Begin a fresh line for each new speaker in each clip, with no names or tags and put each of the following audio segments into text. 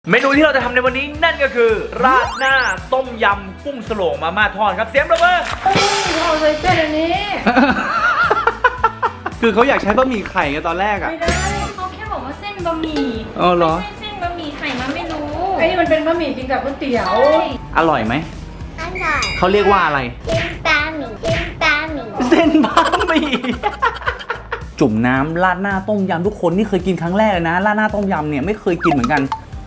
เมนูที่เราจะทำในวันนี้นั่นก็คือราดหน้าต้มยำกุ้งสโลงมาม่าทอดครับเสียงปรบมือ
เอาเลยเส้นอันนี้
คือเขาอยากใช้บะหมี่ไข่ไงตอนแรกอ่ะ
ไม่ได้เขาแค่บอกว่าเส้นบะหมี่
อ๋อเหรอ
ไม่ใช่เส้นบะหมี่ไข่มาไม่รู้ไอ้นี่มันเป็นบะหมี่กินกับก๋วยเตี๋ยว
อร่อยไหม
อร่อย
เขาเรียกว่าอะไร
เป็นปลาหมี่เป็นปลาหมี่
เส้นบะหมี่ จุ่มน้ำราดหน้าต้มยำทุกคนนี่เคยกินครั้งแรกเลยนะราดหน้าต้มยำเนี่ยไม่เคยกินเหมือนกัน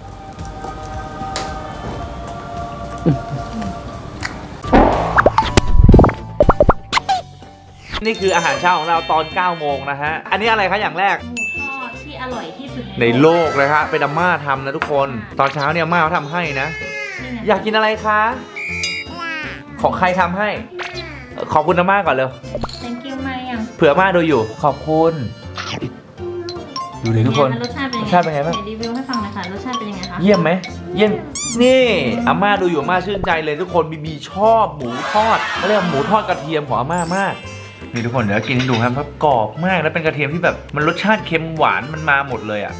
นี่คืออาหารเช้าของเราตอน9โมงนะฮะอันนี้อะไรคะอย่างแรก
หมูทอดที่อร่อยที่สุด
ในโลกเลยฮะเป็นอาม่าทำนะทุกคนตอนเช้าเนี่ยอาม่าเขาทำให้นะอยากกินอะไรคะของใครทำให้ขอบคุณอาม่าก่อนเร็ว
thank you มายัง
เผื่ออาม่าดูอยู่ขอบคุณดูดิทุกคน
รสชาติเป็นยังไง
รสชาติเป็นไงบ้าง
ไหนรีวิวให้ฟังหน่อยค่ะรสชาติเป็นยังไงคะ
เยี่ยมไหมเยี่ยมนี่อาม่าดูอยู่อาม่าชื่นใจเลยทุกคนบีชอบหมูทอดเขาเรียกว่าหมูทอดกระเทียมของอาม่ามากนี่ทุกคนเดี๋ยวกินให้ดูครับเพราะกรอบมากแล้วเป็นกระเทียมที่แบบมันรสชาติเค็มหวานมันมาหมดเลยอ่ะ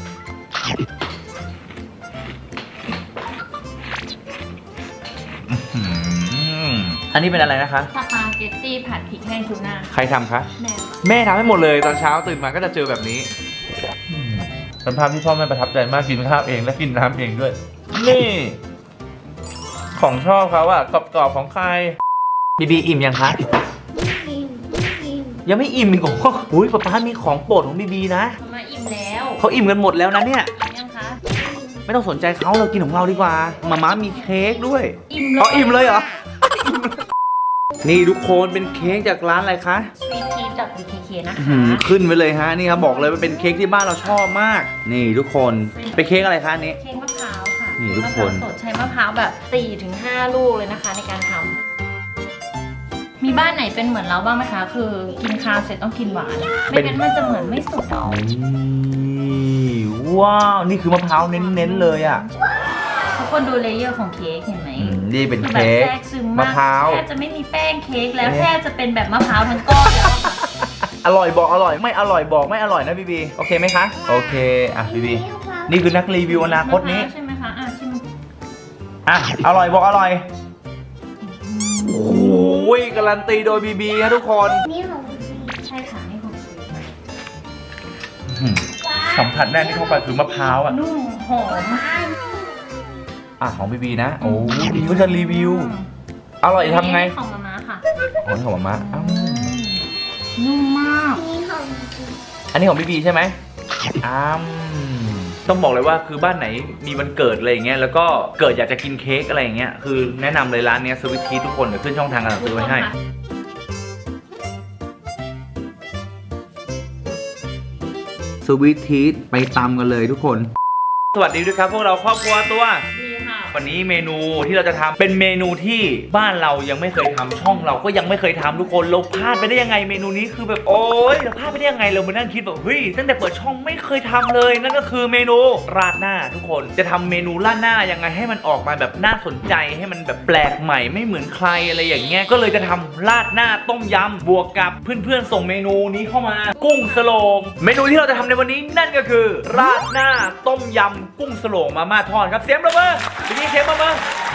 อันนี้เป็นอะไรนะคะ
สปาเกตตี้ผัดพริกแห้งทูน่า
ใครทำคะ
แม่
แม่ทำให้หมดเลยตอนเช้าตื่นมาก็จะเจอแบบนี้เป็นภาพที่พ่อแม่ประทับใจมากกินข้าวเองและกินน้ำเองด้วยนี่ของชอบเขาอะกรอบๆของใครบีอิ่มยังคะ
กินกิน
ยังไม่อิ่มอีกเหรออุ้ยป๊าป๊ามีของโปรดของบีนะ
มาอิ่มแล้ว
เขาอิ่มกันหมดแล้วนะเนี่ย
ยังคะ
ไม่ต้องสนใจเขาเรากินของเราดีกว่ามาม่ามีเค้กด้วย
อิ่มเลย
อ๋ออิ่มเลยเหรอ นี่ทุกคนเป็นเค้กจากร้านอะไรคะ
สวีททีจาก BKK นะคะ
ขึ้นไปเลยฮะนี่ครับบอกเลยว่าเป็นเค้กที่บ้านเราชอบมาก นี่ทุกคนเป็นเค้กอะไรคะอันนี้
เค้กมะพร้าวค่ะ
นี่ทุกคน
มะพร้าวสดใช้มะพร้าวแบบ 4-5 ลูกเลยนะคะในการทำมีบ้านไหนเป็นเหมือนเราบ้างไหมคะ คือกินข้าวเสร็จต้องกินหวาน ไม่งั้นมันจะเหมือนไม่สุดหรอก
นี่ว้าวนี่คือมะพร้าวเน้นๆเลยอ่ะ
ทุกคนดูเลเยอร์ของเค้กเห็นไหม
นี่เป็น
คือแบบ
เค้ก
แทรกซึม
มะ
มาก
พร้าว
แทบจะไม่มีแป้งเค้กแล้วแทบจะเป็นแบบมะพร้าวทั้งก้อนแล้วค่ะ
อร่อยบอกอร่อยไม่อร่อยบอกไม่อร่อยนะบีโอเคไหมคะโอเคอ่ะบีนี่คือนักรีวิวอนาคตนี้
ใช่ไหมคะชิม
อ่ะอร่อยบอกอร่อยโอ้ยการันตีโดยบีนะทุกคน
นี่ของ
ใช่ค่ะนี่ของ
สัมผัสแรกที่เข้าไปคือมะพร้าวอ่ะ
นุ่มหอม
อ่ะของบีนะโอ้บีก็จะรีวิวอร่อยทำไง
ของมาม่าค่ะ
อ๋อของมาม่าอ้าว
นุ่มมาก
นี่ของ
อันนี้ของบีใช่ไหมต้องบอกเลยว่าคือบ้านไหนมีวันเกิดอะไรอย่างเงี้ยแล้วก็เกิดอยากจะกินเค้กอะไรอย่างเงี้ยคือแนะนำเลยร้านเนี้ยสวิตทีทุกคนเดี๋ยวขึ้นช่องทางการซื้อไว้ให้สวิตทีไปตำกันเลยทุกคนสวัสดีด้วยครับพวกเราครอบครัวตัว
ดีค่ะ
วันนี้เมนูที่เราจะทำเป็นเมนูที่บ้านเรายังไม่เคยทำช่องเราก็ยังไม่เคยทำทุกคนเราพลาดไปได้ยังไงเมนูนี้คือแบบโอ๊ยเราพลาดไปได้ยังไงเรามานั่งคิดแบบเฮ้ยตั้งแต่เปิดช่องไม่เคยทำเลยนั่นก็คือเมนูราดหน้าทุกคนจะทำเมนูราดหน้ายังไงให้มันออกมาแบบน่าสนใจให้มันแบบแปลกใหม่ไม่เหมือนใครอะไรอย่างเงี้ยก็เลยจะทำราดหน้าต้มยำบวกกับเพื่อนๆส่งเมนูนี้เข้ามากุ้งสโลงเมนูที่เราจะทำในวันนี้นั่นก็คือราดหน้าต้มยำกุ้งสโลงมาม่าทอดครับเสียงปรบมือพี่เชฟมา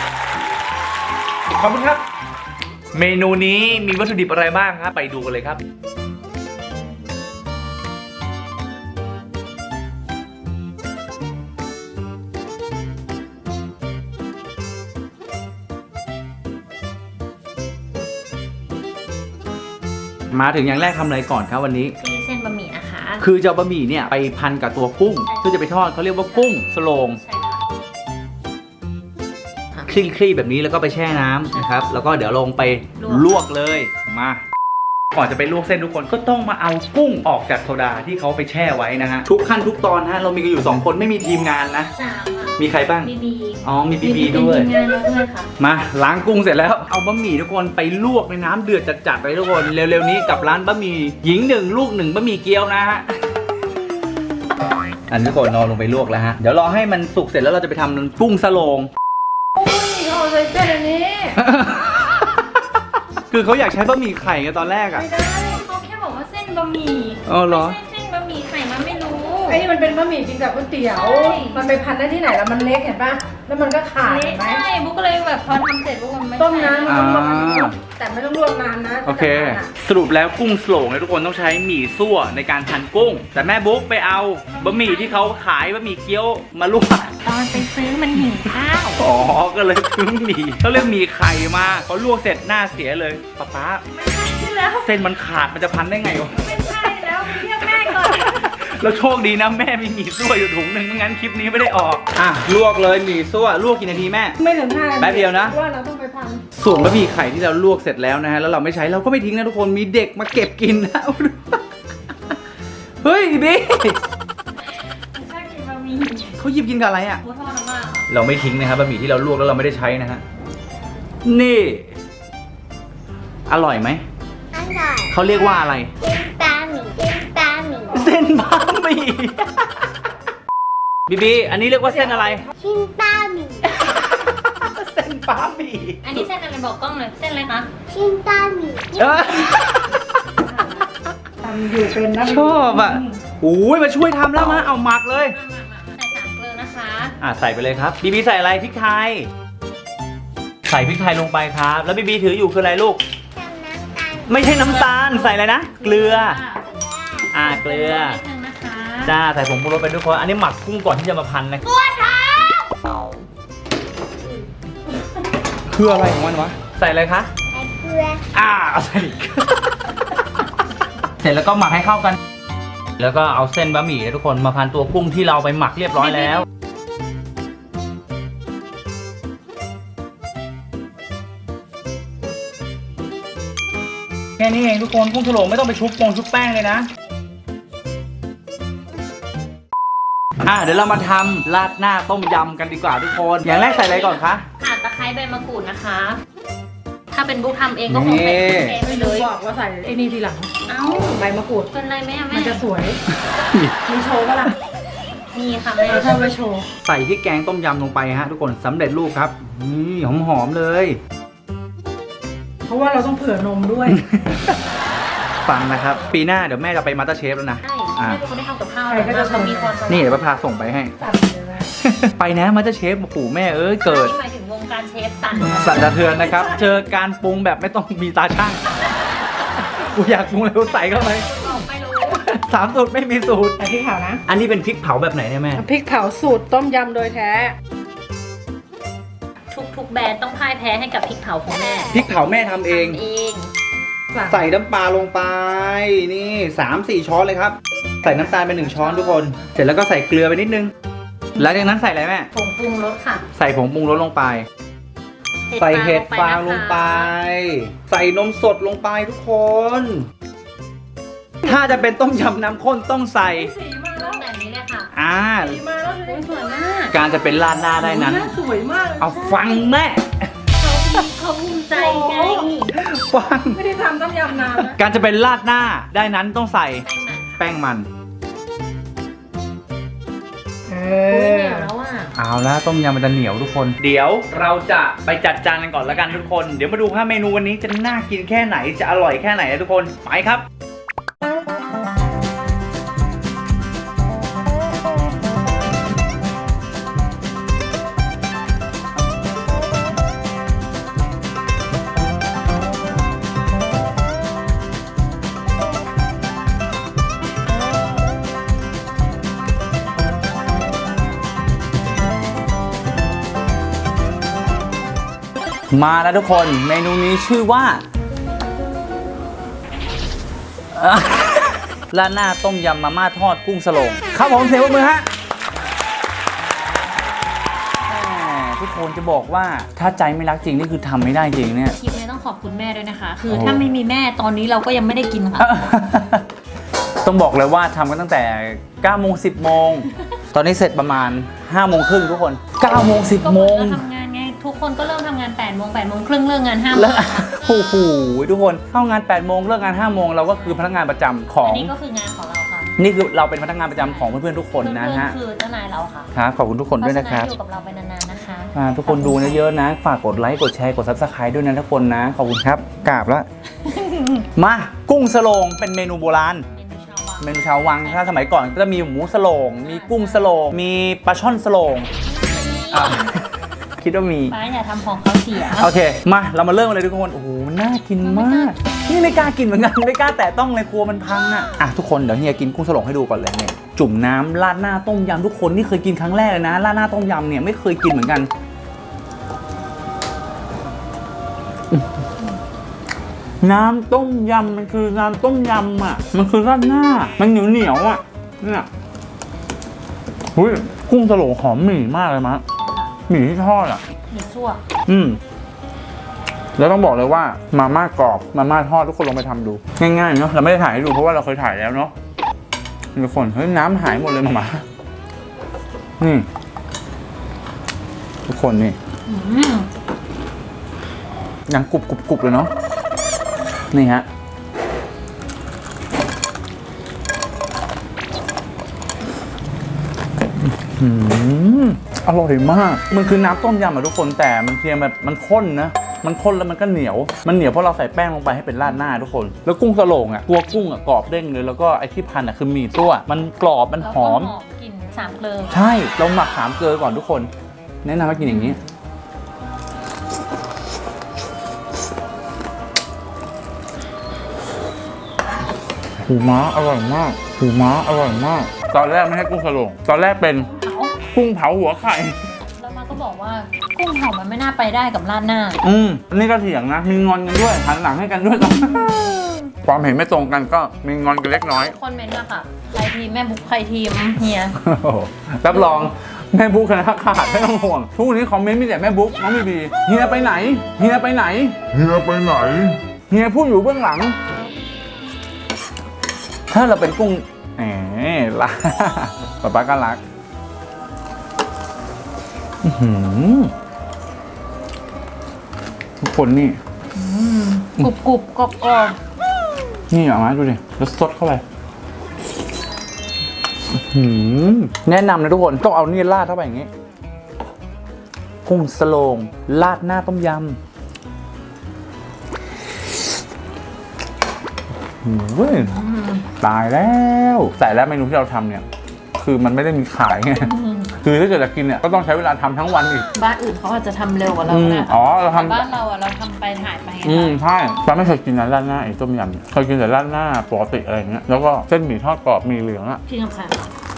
ขอบคุณครับเมนูนี้มีวัตถุดิบอะไรบ้างครับไปดูกันเลยครับ
มาถึงอย่างแรกทำอะไรก่อนครับวันนี้
ตีเส้นบะหมี่นะคะ
คือจะเอาบะหมี่เนี่ยไปพันกับตัวกุ้งเพื่อจะไปทอดเขาเรียกว่ากุ้งสโลง
ใช่ค่ะ
คลี่ๆแบบนี้แล้วก็ไปแช่น้ำนะครับแล้วก็เดี๋ยวลงไปลวกเลยมาก่อนจะไปลวกเส้นทุกคนก็ต้องมาเอากุ้งออกจากโซดาที่เขาไปแช่ไว้นะฮะทุกขั้นทุกตอนฮะเรามีกันอยู่2คนไม่มีทีมงานนะ
3 ค่ะ
มีใครบ้าง
บีบี
อ๋อมีบีด้วย
เป็นทีมงานเราด้วยค่ะ
มาล้างกุ้งเสร็จแล้วเอาบะหมี่ทุกคนไปลวกในน้ำเดือดจัดๆเลยทุกคนเร็วๆนี้กับร้านบะหมี่หญิง1ลูก1บะหมี่เกี๊ยวนะฮะอันนี้ทุกคนนอนลงไปลวกแล้วฮะเดี๋ยวรอให้มันสุกเสร็จแล้วเราจะไปทำกุ้งสโลง
เอาเลยเส้นอันนี้
คือเขาอยากใช้บะหมี่ไข่ไงตอนแรกอ่ะ
ไม่ได้เขาแค่บอกว่าเส้นบะหมี่
อ๋อเหรอ
ไม่ใช่เส้นบะหมี่ไข่มาไม่รู้
ไอ้นี่มันเป็นบะหมี่กินกับก๋วยเตี๋ยว
ใช่
มันไปพันได้ที่ไหนแล้วมันเล็กเห็นปะแล้วมันก็ขาดเห็นไหม
ใช่บุ๊กก็เลยแบบพอทำเสร็จบุ๊กมันไม่
ต้มน้ำมันต้องลวก
อ่า
แต่ไม่ต้องลวกนานนะ
โอเค สรุปแล้วกุ้งโสลงเนี่ยทุกคนต้องใช้หมี่ซั่วในการหั่นกุ้ง แต่แม่บุ๊กไปเอาบะหมี่ที่เขาขายบะหมี่เกี๊ยวมาลวก
ตอนไปซื้อมันหิวข้าว
อ๋อ ก็เลยซื้อหมี่เขาเรียกหมี่ไข่มาพอลวกเสร็จหน้าเสียเลยป๊า
ไม่ใช่แล้ว
เส้นมันขาดมันจะพันได้ไงวะ
ไม่ใช่แล้วไปเรียกแม่ก่อน
แล้วโชคดีนะแม่มีหมี่ซั่วอยู่ถุงหนึ่งไม่งั้นคลิปนี้ไม่ได้ออกอ่ะลวกเลยหมี่ซั่วลวกกี่นาทีแม่
ไม่ถึง5 นาที
แป๊บเดียวนะ
ว่าเราต้องไปพัน
ส่วนบะหมี่ไข่ที่เราลวกเสร็จแล้วนะฮะแล้วเราไม่ใช้เราก็ไม่ทิ้งนะทุกคนมีเด็กมาเก็บกินนะ เฮ้ยบิ๊ก
ชอบกินบะหมี่
เขาหยิบกินกับอะไรอ่ะ
หมูทอดน้ำมัน
เราไม่ทิ้งนะครับบะหมี่ที่เราลวกแล้วเราไม่ได้ใช้นะฮะนี่ อร่อยไหม
อร่อย
เขาเรียกว่าอะไร
เป็นปลาหมี่เป็นปลาหมี่
เส้นบะหมี่ บีบีอันนี้เรียกว่าเส้นอะไร
ชิ้นปลาหมี่
เส้นบะหมี่
อันนี้เส้นอะไรบอกกล้องหน่อยเส้นอะไรคะ
ชิ้นปลาหมี่
เอ้ย
ทำอยู่เป็นนะ
ชอบอ่ะโอ้ยมาช่วยทำแล้วมาเอาหมักเลย
ใส่3 เกลือนะคะ
ใส่ไปเลยครับบีบีใส่อะไรพริกไทย ใส่พริกไทยลงไปครับ แล้วบีบีถืออยู่คืออะไรลูก
ทำน้ำตาล
ไม่ใช่น้ำตาลใส่อะไรนะ เกลือ เกลือ
นิดนึงนะคะ
จ้าใส่ผงปรุงรสไปด้วยคนอันนี้หมักกุ้งก่อนที่จะมาพันนะคืออะไรของมันวะ ใส่อะไรคะ
ใส่เกลือ
ใส่อีก เสร็จแล้วก็หมักให้เข้ากัน แล้วก็เอาเส้นบะหมี่นะทุกคนมาพันตัวกุ้งที่เราไปหมักเรียบร้อยแล้ว แค่นี้เองทุกคนกุ้งถลงไม่ต้องไปชุบแป้งเลยนะ เดี๋ยวเรามาทำราดหน้าต้มยำกันดีกว่าทุกคน อย่างแรกใส่อะไรก่อนคะ
ข่าตะไคร้ใบมะกรูดนะคะ ถ้าเป็นบุ๊กทำเองก็คงใส่เทไป
ไม่
เล
รู้
ย
บอกว่าใส่ไอ้นี่ทีหลัง
เอ้า
ใบมะกรูด
เป็นไรไหมอะแม่
มันจะสวย มีโชว์ปะล่ะ
นี่ค่ะแม่
เราทำไว้โชว์
ใส่พริกแกงต้มยำลงไปฮะทุกคนสำเร็จรูปครับนี่หอมๆเลย
เพราะว่าเราต้องเผื่อนมด้วย
ฟังนะครับ ปีหน้าเดี๋ยวแม่จะไปมาสเตอร์เชฟแล้วนะ
ใช่
อ่ะ
แม่เป็นคนที่ทำกับข้าว
ใครก็จะ
เรามีความ
นี่เดี๋ยวพาส่งไปให้
ตัดเลยนะ
ไปนะมาสเตอร์เชฟโอ้โหแม่เอ้ยเกิด
นี่หมายถึงวงการเชฟสั่น
สั่นสะเทือนนะครับ เจอการปรุงแบบไม่ต้องมีตาช่างกูอยากปรุงอะไรกูใส่เข้าไป
บอกไม่รู้
3 สูตรไม่มีสูตร
แต่พริกเผานะ
อันนี้เป็นพริกเผาแบบไหนเนี่ยแม่
พริกเผาสูตรต้มยำโดยแท้
ทุกแบรนด์ต้องพ่ายแพ้ให้กับพริกเผาของแม่
พริกเผาแม่ทำเอง
ทำเอง
ใส่น้ำปลาลงไปนี่3-4 ช้อนเลยครับ ใส่น้ำตาลไป1 ช้อนทุกคน เสร็จแล้วก็ใส่เกลือไปนิดนึงหลังจากนั้นใส่อะไรแม่
ผงปรุงรสค่ะ
ใส่ผงปรุงรสลงไป ใส่เห็ดฟางลงไป ใส่นมสดลงไปทุกคน ถ้าจะเป็นต้มยำน้ำข้นต้องใส่
สีมาแล้ว
แบบนี้เลยค่ะ
สีมาแล้วเลย
สวยมาก
การจะเป็นราดหน้าได้นั้น
สวยมากเลย
เอาฟังแม่
เขาภูมิใจไง
ฟัง
ไม่ได้ทำต้มยำนานนะ
การจะเป็นราดหน้าได้นั้นต้องใส่
แป้งมัน
แป้งมัน
เอ
อุ้ย
อ
เหนียวแล้วอ่ะ
เอาละต้มยำมันจะเหนียวทุกคน เดี๋ยวเราจะไปจัดจานกันก่อนละกันทุกคน เดี๋ยวมาดูว่าเมนูวันนี้จะน่ากินแค่ไหนจะอร่อยแค่ไหนนะทุกคนไปครับ มาแล้วทุกคนเมนูนี้ชื่อว่า ราดหน้าต้มยำมาม่าทอดกุ้งสโลงครับผมเสียงปรบมือฮะแหมทุกคนจะบอกว่าถ้าใจไม่รักจริงนี่คือทำไม่ได้จริงเนี่ย
คลิปนี้ต้องขอบคุณแม่ด้วยนะคะ คือถ้าไม่มีแม่ตอนนี้เราก็ยังไม่ได้กินค่ะ
ต้องบอกเลยว่าทำกันตั้งแต่9 โมง 10 โมง ตอนนี้เสร็จประมาณ5 โมงครึ่งทุกคน9 โมง
ก็
10
เห
โม
มือน
ง
เราทำงานไง ทุกคนก็เริ่มทำงาน8 โมง 8 โมงครึ่งเลิกงาน5 โม
แล้ว
ง
โอ้โหทุกคนเข้างาน8 โมงเลิกงาน5 โมงเราก็คือพนักงานประจำของ
อันนี้ก็คืองานของเราค่ะ
นี่คือเราเป็นพนักงานประจำของเพื่อนๆทุกคนนะฮะ
เพื่อนๆคือเจ้านายเราค่ะ
ครับขอบคุณทุกคนด้วยนะครับ
เพาฉอยู่กับเราไปนานๆนะคะ
ทุกคนดูเยอะๆนะ ฝากกดไลค์กดแชร์กด Subscribe ด้วยนะทุกคนนะขอบคุณครับกราบแล้ว มากุ้งสโลงเป็นเมนูโบราณ
เมนูชาววัง
เมนูชาววังถ้าสมัยก่อนก็จะมีหมูสโลงมีกุ้งสโลงมีปลาช่อนสโลงอ่ะ คิดว่ามี
ป้าอย่าทำของเขาเสีย
โอเคมาเรามาเริ่มกันเลยทุกคนโอ้โหน่ากินมากนี่ไม่กล้ากินเหมือนกันไม่กล้าแตะต้องเลยกลัวมันพังอ่ะทุกคนเดี๋ยวเฮียกินกุ้งสโลงให้ดูก่อนเลยเนี่ยจุ่มน้ำราดหน้าต้มยำทุกคนนี่เคยกินครั้งแรกเลยนะราดหน้าต้มยำเนี่ยไม่เคยกินเหมือนกันน้ำต้มยำมันคือน้ำต้มยำอ่ะมันคือราดหน้ามันเหนียวอ่ะเนี่ยหุ้ยกุ้งสโลงหอมหมี่มากเลยมะหมี่ที่ทอดอ่ะ
หมี่ซั่ว
แล้วต้องบอกเลยว่ามาม่ากรอบมาม่าทอดทุกคนลองไปทำดูง่ายๆเนาะเราไม่ได้ถ่ายให้ดูเพราะว่าเราเคยถ่ายแล้วเนาะทุกคนเฮ้ยน้ำหายหมดเลยมาม่านี่ทุกคนนี่ยังกรุบเลยเนาะนี่ฮะอร่อยมากมันคือน้ำต้มยำอะทุกคนแต่มันเพียงแบบมันข้นนะมันข้นแล้วมันก็เหนียวมันเหนียวเพราะเราใส่แป้งลงไปให้เป็นราดหน้าทุกคนแล้วกุ้งสโลงอ่ะตัวกุ้งอ่ะกรอบเด้งเลยแล้วก็ไอ้ที่พันอ่ะคือหมี่ตัวมันกรอบมันหอม
แล้วก็กลิ่นสามเกลือ
ใช่เราหมักสามเกลือก่อนทุกคนแนะนำให้กินอย่างนี้หูม้าอร่อยมากหูม้าอร่อยมากตอนแรกไม่ให้กุ้งสโลงตอนแรกเป็นกุ้งเผาหัวไข่
แล้วมาก็บอกว่ากุ้งเผามันไม่น่าไปได้กับราดหน้า
นี่ก็เถียงนะมีงอนกันด้วยหันหลังให้กันด้วย ความเห็นไม่ตรงกันก็มีงอนกันเล็กน้อย
คนเมนต์อะค่ะใครทีมแม่บุ๊กใครทีมเฮีย
รับรองแม่บุ๊กนะขาดไม่ต้องห่วงทุกวันนี้คอมเมนต์มีแต่แม่บุ๊กน้องบีบีเฮียไปไหนเฮียไปไหนเฮียไปไหนเฮียพูดอยู่เบื้องหลัง ถ้าเราเป็นกุ้งละ ป๊าก็รักทุกคนนี่
กรุบกรอบกรอบ
นี่เอามาดูดิแล้วสดเข้าไปแนะนำนะทุกคนต้องเอานี่ราดเข้าไปอย่างนี้กุ้งสโลงราดหน้าต้มยำตายแล้วแต่แล้วเมนูที่เราทำเนี่ยคือมันไม่ได้มีขายไงคือถ้าเกิดจะกินเนี่ยก็ต้องใช้เวลาทำทั้งวันอีก
บ้านอื่นเขาอาจจะทำเร็วกว่าเราก็ได้
อ๋อเราทำ
บ้านเราอะเราทำไปถ่ายไปไง
ใช่ป้าไม่เคยกินนะราดหน้าไอ้ต้มยำเคยกินแต่ราดหน้าปกติอะไรอย่างเงี้ยแล้วก็เส้นหมี่ทอดกรอบหมี่เหลืองอะ
พี่กับค่ะ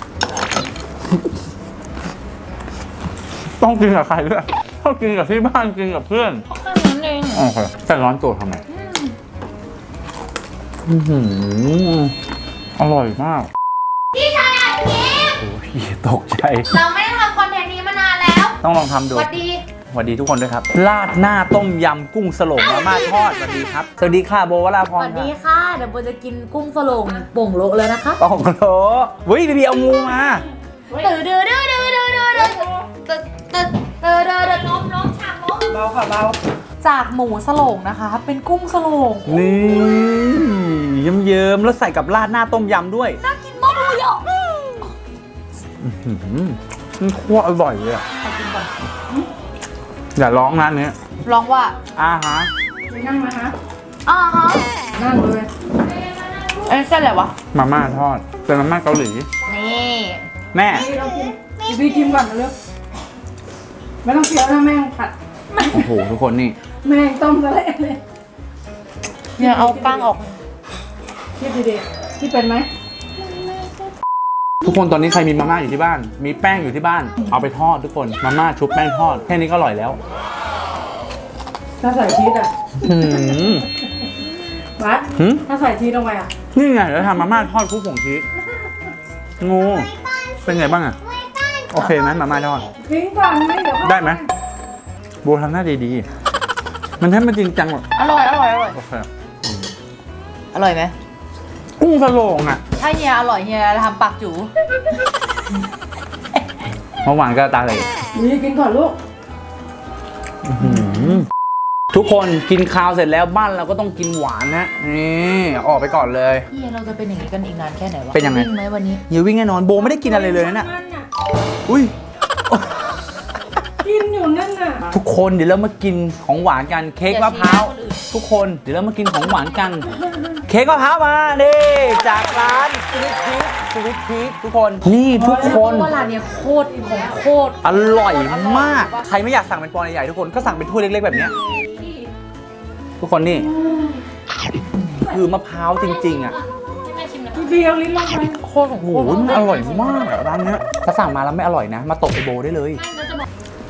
ต้องกินกับใครด้วยต้องกินกับที่บ้านกินกับเพื่อน
เพราะแค่นั้นเอง
โอเคแต่ร้อนตัวทำไมอร่อยมากพี่ชายโอ้ยตกใจ
เราไม่ได้ทำคอนเทนต์นี้มานานแล้ว
ต้องลองทำดู
สวัสดี
สวัสดีทุกคนด้วยครับราดหน้าต้มยำกุ้งสโลงมาม่าทอดสวัสดีครับสวัสดีค่ะโบวราพ
ส
ร
วัสดีค่ะเดี๋ยวโบจะกินกุ้งสโลงโป่งโลเลยนะคะ
ปองโลวิบีบีเอางูมา
ตื่นเดือดล้มฉากล้ม
เบาค่ะเบาจากหมูสโลงนะคะ เป็นกุ้งสโลง
นี่เยิ้มๆแล้วใส่กับราดหน้าต้มยำด้วย
น่ากินมากเลยอ่ะ
มันคั่วอร่อยเลยอะอย่าร้องนะอันนี้
ลองว่า
ฮะ
นั่งไหมคะ
ฮะ
นั่งเลย
เอ้ยเส้นอะไรวะ
มาม่าทอดเป็นมาม่าเกาหลี
นี่
แม่
นี่เรากินพี่ชิมก่อนนะลูกไม่ต้องเคี้ยวนะแม่งผัด
โอ้โหทุกคนนี่
แม่งต้มซะเละเลย
เนี่ยเอากล้างออก
คิดดีๆที่เป็นไหม
ทุกคนตอนนี้ใครมีมาม่าอยู่ที่บ้าน มีแป้งอยู่ที่บ้าน เอาไปทอดทุกคนมาม่าชุบแป้งทอดแค่นี้ก็อร่อยแล้ว
ถ้าใส่ชีสอ่ะ
หืม
วัด
หืม
ถ้าใส่ชีสลงไปอ่ะ
นี่ไงเดี๋ยวทำมาม่าทอดคลุกผงชีสงูเป็นไงบ้างอะโอเคไหมมาม่าทอด
ทิ้งก่อนไม่เดี๋ยว
ได้ไหมโบทำหน้าดีๆมันแทบไม่จริงจังหรอก
อร่อยอร่อยอร่อย
โอเค
อร่อยไหม
กุ้งสโลงอะ
ถ้าเฮียอร่อยเฮียทำปากจู๋
เมื่อวานก็ตาเลย
นี่กินก่อนลูก
ทุกคนกินข้าวเสร็จแล้วบ้านเราก็ต้องกินหวานนะนี่ออกไปก่อนเลย
เฮียเราจะเป็นอย่างนี้กันอีกนานแค่ไหนวะ
เป็นยังไง
วิ่งไหมวันนี้
อย่าวิ่งแน่นอนโบไม่ได้กินอะไรเลยนะ
มันอ่ะ
อุ้ย
กินอยู่นั่นน่ะ
ทุกคนเดี๋ยวเรามากินของหวานกันเค้กมะพร้าว
อย่าชี้หน้าคนอื่น
ทุกคนเดี๋ยวเรามากินของหวานกันเค้กมะพร้าวมานี่จากร้านสวิตพีคทุกคนนี่ทุกคน
ว่าร้านเนี้ยโคตรของโคตร
อร่อยมาก ใครไม่อยากสั่งเป็นปอนด์ใหญ่ๆทุกคนก็สั่งเป็นถ้วยเล็กๆแบบเนี้ยทุกคนนี่คือมะพร้าวจริงๆอ่ะ
ให้แม่ชิมนะ
เดียวลิ้นลงไป
โคตรโอ้โหมันอร่อยมากอะร้านเนี้ยถ้าสั่งมาแล้วไม่อร่อยนะ มาตบไปโบได้เลย
ไม่ก็จะบอก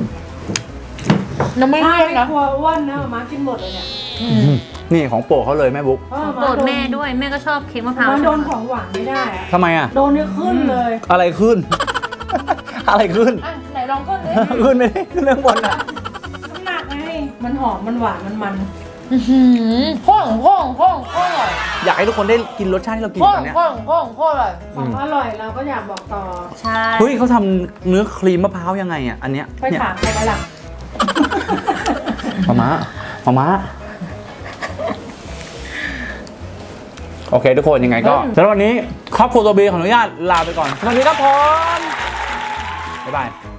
น้ำไม่
ถ้า
เลี่ยน
ไม่
นะ
กลัวอ้วนนะมากินหมดเลยเนี่ย
นี่ของโปรดเขาเลยแม่บุ๊ก
โปรดแม่ด้วยแม่ก็ชอบเค้กมะพร้าว
มันโดนของหวานไม่ได้อะ
ทำไมอ่ะ
โดนเนี่ยขึ้นเลย
อะไรขึ้น อะไรขึ้น
อ่ะไหนลองก็เลย
ขึ้นไม่ได้ขึ้นเรื่องบนอ่ะ
น้ำหนักไงมันหอมมันหวานมัน
ข้องอร่อย
อยากให้ทุกคนได้กินรสชาติที่เรากินตอนเนี้ย
ข้องอร่อย
ของอร่อยเราก็อยากบอกต่อ
ใช่
เฮ้ยเขาทำเนื้อครีมมะพร้าวยังไงอ่ะอันเนี้ย
ไปถามใครไปล่ะ
มาม้าโอเคทุกคนยังไงก็สำหรับวันนี้ครอบครัวตัวบีขออนุญาตลาไปก่อนสวัสดีครับผมบ๊ายบาย